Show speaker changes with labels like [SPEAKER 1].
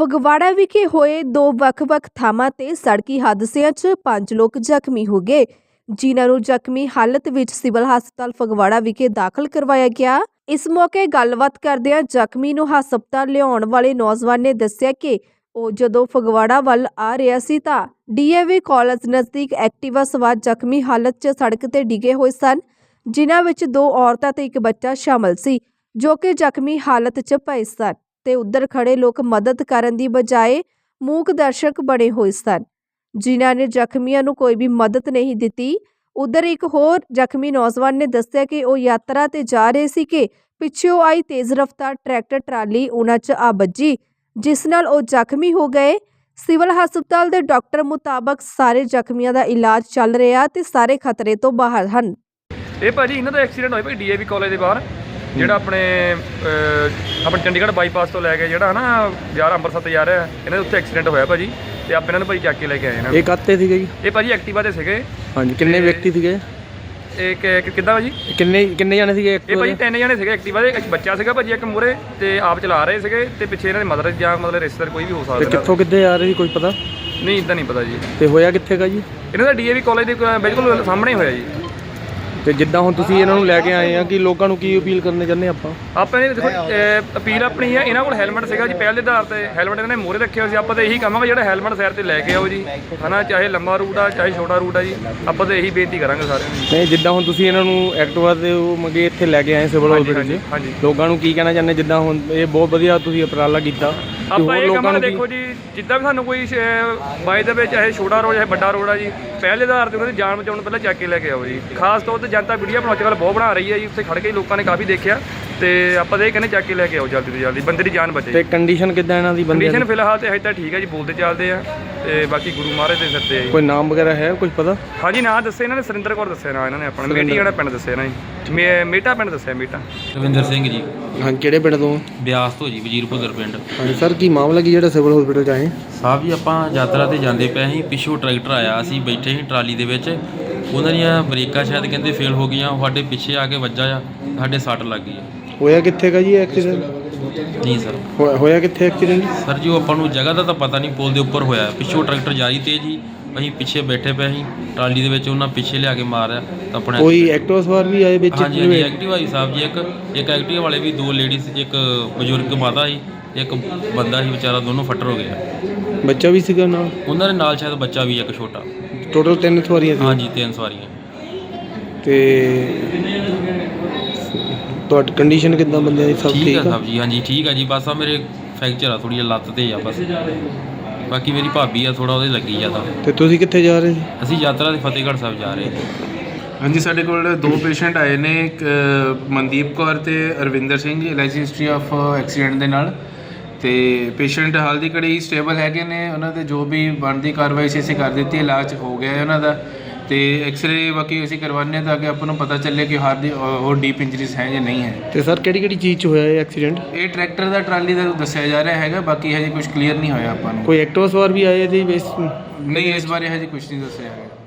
[SPEAKER 1] ਫਗਵਾੜਾ ਵਿਖੇ ਹੋਏ ਦੋ ਵੱਖ-ਵੱਖ ਥਾਵਾਂ ਤੇ ਸੜਕੀ ਹਾਦਸਿਆਂ 'ਚ 5 ਲੋਕ ਜ਼ਖਮੀ ਹੋ ਗਏ, ਜਿਨ੍ਹਾਂ ਨੂੰ ਜ਼ਖਮੀ ਹਾਲਤ ਵਿੱਚ ਸਿਵਲ ਹਸਪਤਾਲ ਫਗਵਾੜਾ ਵਿਖੇ ਦਾਖਲ ਕਰਵਾਇਆ ਗਿਆ। ਇਸ ਮੌਕੇ ਗੱਲਬਾਤ ਕਰਦਿਆਂ ਜ਼ਖਮੀ ਨੂੰ ਹਸਪਤਾਲ ਲਿਆਉਣ ਵਾਲੇ ਨੌਜਵਾਨ ਨੇ ਦੱਸਿਆ ਕਿ ਉਹ ਜਦੋਂ ਫਗਵਾੜਾ ਵੱਲ ਆ ਰਿਹਾ ਸੀ ਤਾਂ ਡੀਏਵੀ ਕਾਲਜ ਨਜ਼ਦੀਕ ਐਕਟਿਵਾ ਸਵਾਰ ਜ਼ਖਮੀ ਹਾਲਤ 'ਚ ਸੜਕ ਤੇ ਡਿੱਗੇ ਹੋਏ ਸਨ, ਜਿਨ੍ਹਾਂ ਵਿੱਚ 2 ਔਰਤਾਂ ਤੇ ਇੱਕ ਬੱਚਾ ਸ਼ਾਮਲ ਸੀ, ਜੋ ਕਿ ਜ਼ਖਮੀ ਹਾਲਤ 'ਚ ਪਏ ਸਨ ਤੇ ਉੱਧਰ ਖੜੇ ਲੋਕ ਮਦਦ ਕਰਨ ਦੀ ਬਜਾਏ ਮੂਕ ਦਰਸ਼ਕ ਬਣੇ ਹੋਏ ਸਨ, ਜਿਨ੍ਹਾਂ ਨੇ ਜ਼ਖਮੀਆਂ ਨੂੰ ਕੋਈ ਵੀ ਮਦਦ ਨਹੀਂ ਦਿੱਤੀ। ਉੱਧਰ ਇੱਕ ਹੋਰ ਜ਼ਖਮੀ ਨੌਜਵਾਨ ਨੇ ਦੱਸਿਆ ਕਿ ਉਹ ਯਾਤਰਾ ਤੇ ਜਾ ਰਹੇ ਸੀ ਕਿ ਪਿੱਛੋਂ ਆਈ ਤੇਜ਼ ਰਫ਼ਤਾਰ ਟਰੈਕਟਰ ਟਰਾਲੀ ਉਹਨਾਂ 'ਚ ਆ ਵੱਜੀ, ਜਿਸ ਨਾਲ ਉਹ ਜ਼ਖਮੀ ਹੋ ਗਏ। ਸਿਵਲ ਹਸਪਤਾਲ ਦੇ ਡਾਕਟਰ ਮੁਤਾਬਕ ਸਾਰੇ ਜ਼ਖਮੀਆਂ ਦਾ ਇਲਾਜ ਚੱਲ ਰਿਹਾ ਤੇ ਸਾਰੇ ਖਤਰੇ ਤੋਂ ਬਾਹਰ ਹਨ।
[SPEAKER 2] ਇਹ ਭਾਜੀ ਇਹਨਾਂ ਦਾ ਐਕਸੀਡੈਂਟ ਹੋਇਆ ਭਾਈ ਡੀਏਵੀ ਕਾਲਜ ਦੇ ਬਾਹਰ, ਜਿਹੜਾ ਆਪਣੇ ਚੰਡੀਗੜ੍ਹ ਬਾਈਪਾਸ ਤੋਂ ਲੈ ਕੇ ਜਿਹੜਾ ਨਾ ਯਾਰ ਅੰਮ੍ਰਿਤਸਰ ਤੇ ਜਾ ਰਿਹਾ, ਇਹਨਾਂ ਦੇ ਉੱਥੇ ਐਕਸੀਡੈਂਟ ਹੋਇਆ ਭਾਜੀ ਤੇ ਆਪਾਂ ਇਹਨਾਂ ਨੂੰ ਭਾਈ ਚੱਕ ਕੇ ਲੈ ਕੇ ਆਏ ਇਹਨਾਂ।
[SPEAKER 3] ਇਹ ਕਾਤੇ ਸੀਗੇ ਜੀ?
[SPEAKER 2] ਇਹ ਭਾਜੀ ਐਕਟਿਵਾ ਤੇ ਸੀਗੇ।
[SPEAKER 3] ਹਾਂਜੀ, ਕਿੰਨੇ ਵਿਅਕਤੀ ਸੀਗੇ?
[SPEAKER 2] ਇਹ ਕਿੱਦਾਂ ਭਾਜੀ
[SPEAKER 3] ਕਿੰਨੇ ਜਾਣੇ ਸੀਗੇ?
[SPEAKER 2] ਇਹ ਭਾਜੀ 3 ਜਣੇ ਸੀਗੇ ਐਕਟਿਵਾ ਦੇ। ਇੱਕ ਬੱਚਾ ਸੀਗਾ ਭਾਜੀ, ਇੱਕ ਮੂਹਰੇ ਤੇ ਆਪ ਚਲਾ ਰਹੇ ਸੀਗੇ ਤੇ ਪਿੱਛੇ ਇਹਨਾਂ ਦੇ ਮਦਰ ਜਾਂ ਮਤਲਬ ਰਿਸ਼ਤੇਦਾਰ ਕੋਈ ਵੀ ਹੋ ਸਕਦਾ।
[SPEAKER 3] ਕਿੱਥੋਂ ਕਿੱਥੇ ਆ ਰਹੇ ਸੀ, ਕੋਈ ਪਤਾ
[SPEAKER 2] ਨਹੀਂ? ਇੱਦਾਂ ਨਹੀਂ ਪਤਾ ਜੀ।
[SPEAKER 3] ਤੇ ਹੋਇਆ ਕਿੱਥੇਗਾ ਜੀ?
[SPEAKER 2] ਇਹਨਾਂ ਦਾ ਡੀਏਵੀ ਕਾਲਜ ਦੇ ਬਿਲਕੁਲ ਸਾਹਮਣੇ ਹੋਇਆ ਜੀ।
[SPEAKER 3] ਤੇ ਜਿੱਦਾਂ ਹੁਣ ਤੁਸੀਂ ਇਹਨਾਂ ਨੂੰ ਲੈ ਕੇ ਆਏ ਆ, ਕਿ ਲੋਕਾਂ ਨੂੰ ਕੀ ਅਪੀਲ ਕਰਨੇ ਚਾਹੁੰਦੇ ਆਪਾਂ
[SPEAKER 2] ਨੇ ਦੇਖੋ ਅਪੀਲ ਆਪਣੀ ਹੈ, ਇਹਨਾਂ ਕੋਲ ਹੈਲਮਟ ਸੀਗਾ ਜੀ ਪਹਿਲ ਦੇ ਆਧਾਰ ਤੇ, ਹੈਲਮਟ ਇਹਨਾਂ ਨੇ ਮੂਹਰੇ ਰੱਖਿਆ ਸੀ। ਆਪਾਂ ਤਾਂ ਇਹੀ ਕਹਾਂਗੇ ਜਿਹੜਾ ਹੈਲਮਟ ਸਾਈਡ ਤੇ ਲੈ ਕੇ ਆਓ ਜੀ, ਹਨਾ, ਚਾਹੇ ਲੰਬਾ ਰੂਟ ਆ ਚਾਹੇ ਛੋਟਾ ਰੂਟ ਆ ਜੀ, ਆਪਾਂ ਤਾਂ ਇਹੀ ਬੇਨਤੀ ਕਰਾਂਗੇ ਸਾਰਿਆਂ ਨੂੰ।
[SPEAKER 3] ਨਹੀਂ, ਜਿੱਦਾਂ ਹੁਣ ਤੁਸੀਂ ਇਹਨਾਂ ਨੂੰ ਐਕਟਿਵਾ ਤੇ ਮੰਗੇ ਇੱਥੇ ਲੈ ਕੇ ਆਏ ਸਿਵਲ ਹਸਪਤਾਲ 'ਚ, ਲੋਕਾਂ ਨੂੰ ਕੀ ਕਹਿਣਾ ਚਾਹੁੰਦੇ? ਜਿੱਦਾਂ ਹੁਣ ਇਹ ਬਹੁਤ ਵਧੀਆ ਤੁਸੀਂ ਉਪਰਾਲਾ ਕੀਤਾ,
[SPEAKER 2] ਆਪਾਂ ਇਹ ਕਹਾਂਗੇ ਦੇਖੋ ਜੀ, ਜਿੱਦਾਂ ਵੀ ਸਾਨੂੰ ਕੋਈ ਬਾਈ ਦੇ ਵਿੱਚ ਚਾਹੇ ਛੋਟਾ ਰੋਡ ਚਾਹੇ ਵੱਡਾ ਰੋਡ ਆ ਜੀ, ਪਹਿਲੇ ਆਧਾਰ ਤੇ ਉਹਨਾਂ ਦੀ ਜਾਨ ਬਚਾਉਣ ਪਹਿਲਾਂ ਚੱਕ ਕੇ ਲੈ ਕੇ ਆਓ ਜੀ। ਖਾਸ ਤੌਰ ਤੇ ਜਨਤਾ ਵੀਡੀਓ ਬਣਾਉਣ ਬਹੁਤ ਬਣਾ ਰਹੀ ਹੈ ਜੀ, ਉੱਥੇ ਖੜ ਕੇ ਲੋਕਾਂ ਨੇ ਕਾਫੀ ਦੇਖਿਆ ਤੇ ਆਪਾਂ ਤਾਂ ਇਹ ਕਹਿੰਦੇ ਚੱਕ ਕੇ ਲੈ ਕੇ ਆਓ ਜਲਦੀ ਤੋਂ ਜਲਦੀ, ਬੰਦੇ ਦੀ ਜਾਨ ਬਚੇ।
[SPEAKER 3] ਤੇ ਕੰਡੀਸ਼ਨ ਕਿੱਦਾਂ ਇਹਨਾਂ ਦੀ?
[SPEAKER 2] ਕੰਡੀਸ਼ਨ ਫਿਲਹਾਲ ਤੇ ਹਜੇ ਤਾਂ ਠੀਕ ਹੈ ਜੀ, ਬੋਲਦੇ ਚੱਲਦੇ ਆ ਤੇ ਬਾਕੀ ਗੁਰੂ ਮਹਾਰਾਜ ਦੇ ਸਿਰ ਤੇ ਆ ਜੀ।
[SPEAKER 3] ਕੋਈ ਨਾਮ ਵਗੈਰਾ ਹੈ ਕੁਝ ਪਤਾ?
[SPEAKER 2] ਹਾਂਜੀ, ਨਾਂ ਦੱਸੇ ਇਹਨਾਂ ਨੇ, ਸੁਰਿੰਦਰ ਕੌਰ ਦੱਸਿਆ ਨਾਂ ਇਹਨਾਂ ਨੇ ਆਪਣਾ, ਮੇਟੀ ਜਿਹੜਾ ਪਿੰਡ ਦੱਸਿਆ ਨਾ ਜੀ, ਮੇਟਾ ਪਿੰਡ ਦੱਸਿਆ, ਮੇਟਾ।
[SPEAKER 4] ਰਵਿੰਦਰ ਸਿੰਘ ਜੀ।
[SPEAKER 3] ਹਾਂ, ਕਿਹੜੇ ਪਿੰਡ ਤੋਂ?
[SPEAKER 4] ਬਿਆਸ ਤੋਂ ਜੀ, ਵਜ਼ੀਰਪੁਰ ਪਿੰਡ।
[SPEAKER 3] ਹਾਂਜੀ ਸਰ, ਕੀ ਮਾਮਲਾ ਕੀ ਜਿਹੜਾ ਸਿਵਲ ਹਸਪੀਟਲ 'ਚ ਆਏ?
[SPEAKER 4] ਸਾਹਿਬ ਜੀ, ਆਪਾਂ ਯਾਤਰਾ ਤੇ ਜਾਂਦੇ ਪਏ ਸੀ, ਪਿੱਛੋਂ ਟਰੈਕਟਰ ਆਇਆ, ਅਸੀਂ ਬੈਠੇ ਸੀ ਟਰਾਲੀ ਦੇ ਵਿੱਚ, ਉਹਨਾਂ ਦੀਆਂ ਬ੍ਰੇਕਾਂ ਸ਼ਾਇਦ ਕਹਿੰਦੇ ਫੇਲ ਹੋ ਗਈਆਂ, ਸਾਡੇ ਪਿੱਛੇ ਆ ਕੇ ਵੱਜਾ ਆ, ਸਾਡੇ ਸੱਟ ਲੱਗ ਗਈ।
[SPEAKER 3] ਹੋਇਆ ਕਿੱਥੇਗਾ ਜੀ ਐਕਸੀਡੈਂਟ?
[SPEAKER 4] ਨਹੀਂ ਸਰ।
[SPEAKER 3] ਹੋਇਆ ਕਿੱਥੇ ਐਕਸੀਡੈਂਟ?
[SPEAKER 4] ਸਰ ਜੀ, ਉਹ ਆਪਾਂ ਨੂੰ ਜਗ੍ਹਾ ਦਾ ਤਾਂ ਪਤਾ ਨਹੀਂ, ਪੁਲ ਦੇ ਉੱਪਰ ਹੋਇਆ, ਪਿੱਛੋਂ ਟਰੈਕਟਰ ਜਾ ਰਹੀ ਤੇਜ਼ ਜੀ, ਅਸੀਂ ਪਿੱਛੇ ਬੈਠੇ ਪਏ ਸੀ ਟਰਾਲੀ ਦੇ ਵਿੱਚ, ਉਹਨਾਂ ਪਿੱਛੇ ਲਿਆ ਕੇ ਮਾਰਿਆ ਤਾਂ ਆਪਣੇ।
[SPEAKER 3] ਕੋਈ ਐਕਟਿਵਾ ਸਵਾਰ ਵੀ ਆਏ ਵਿੱਚ?
[SPEAKER 4] ਹਾਂਜੀ ਹਾਂਜੀ, ਐਕਟਿਵਾ ਸੀ ਸਾਹਿਬ ਜੀ, ਇੱਕ ਐਕਟਿਵਾ ਵਾਲੇ ਵੀ, 2 ਲੇਡੀਜ਼, ਇੱਕ ਬਜ਼ੁਰਗ ਮਾਤਾ ਸੀ, ਇੱਕ ਬੰਦਾ ਸੀ ਵਿਚਾਰਾ, ਦੋਨੋਂ ਫੱਟਰ ਹੋ ਗਏ।
[SPEAKER 3] ਬੱਚਾ ਵੀ ਸੀਗਾ ਨਾਲ? ਉਹਨਾਂ
[SPEAKER 4] ਦੇ ਨਾਲ ਸ਼ਾਇਦ ਬੱਚਾ ਵੀ ਇੱਕ ਛੋਟਾ।
[SPEAKER 3] ਟੋਟਲ 3 ਸਵਾਰੀਆਂ ਸੀ?
[SPEAKER 4] ਹਾਂਜੀ, 3 ਸਵਾਰੀਆਂ।
[SPEAKER 3] ਤੇ ਤੁਹਾਡੀ ਕੰਡੀਸ਼ਨ ਕਿੱਦਾਂ ਬੰਦਿਆਂ ਦੀ? ਸਭ
[SPEAKER 4] ਠੀਕ ਆ ਸਾਹਿਬ ਜੀ? ਹਾਂਜੀ ਠੀਕ ਆ ਜੀ, ਬਸ ਆ ਮੇਰੇ ਫ੍ਰੈਕਚਰ ਆ ਥੋੜੀ ਜਿਹੀ ਲੱਤ ਤੇ ਆ ਬਸ, ਬਾਕੀ ਮੇਰੀ ਭਾਬੀ ਆ, ਥੋੜਾ ਉਹਦੇ ਲੱਗੀ ਜ਼ਿਆਦਾ।
[SPEAKER 3] ਤੇ ਤੁਸੀਂ ਕਿੱਥੇ ਜਾ ਰਹੇ ਸੀ?
[SPEAKER 4] ਅਸੀਂ ਯਾਤਰਾ ਦੇ ਫਤਿਹਗੜ੍ਹ ਸਾਹਿਬ ਜਾ ਰਹੇ।
[SPEAKER 5] ਹਾਂਜੀ, ਸਾਡੇ ਕੋਲ 2 ਪੇਸ਼ੈਂਟ ਆਏ ਨੇ, ਇੱਕ ਮਨਦੀਪ ਕੌਰ ਤੇ Arvinder Singh, LIC history of accident ਦੇ ਨਾਲ। ਤੇ ਪੇਸ਼ੈਂਟ ਹਾਲ ਦੀ ਘੜੀ ਸਟੇਬਲ ਹੈਗੇ ਨੇ, ਉਹਨਾਂ ਦੇ ਜੋ ਵੀ ਬਣਦੀ ਕਾਰਵਾਈ ਸੀ ਅਸੀਂ ਕਰ ਦਿੱਤੀ, ਇਲਾਜ ਹੋ ਗਿਆ ਹੈ ਉਹਨਾਂ ਦਾ। ਤੇ ਐਕਸਰੇ ਬਾਕੀ ਅਸੀਂ ਕਰਵਾਉਂਦੇ ਹਾਂ ਤਾਂ ਕਿ ਆਪਾਂ ਨੂੰ ਪਤਾ ਚੱਲੇ ਕਿ ਹਾਰ ਦੀ ਹੋਰ ਡੀਪ ਇੰਜਰੀਜ਼ ਹੈ ਜਾਂ ਨਹੀਂ ਹੈ।
[SPEAKER 3] ਤੇ ਸਰ ਕਿਹੜੀ ਚੀਜ਼ 'ਚ ਹੋਇਆ ਇਹ ਐਕਸੀਡੈਂਟ?
[SPEAKER 5] ਇਹ ਟਰੈਕਟਰ ਦਾ ਟਰਾਲੀ ਦਾ ਦੱਸਿਆ ਜਾ ਰਿਹਾ ਹੈਗਾ, ਬਾਕੀ ਹਜੇ ਕੁਝ ਕਲੀਅਰ ਨਹੀਂ ਹੋਇਆ ਆਪਾਂ ਨੂੰ।
[SPEAKER 3] ਕੋਈ ਐਕਟਿਵਾ ਸਵਾਰ ਵੀ ਆਏ ਇਹਦੇ ਵਿੱਚ?
[SPEAKER 5] ਨਹੀਂ, ਇਸ ਬਾਰੇ ਹਜੇ ਕੁਝ ਨਹੀਂ ਦੱਸਿਆ ਹੈਗਾ।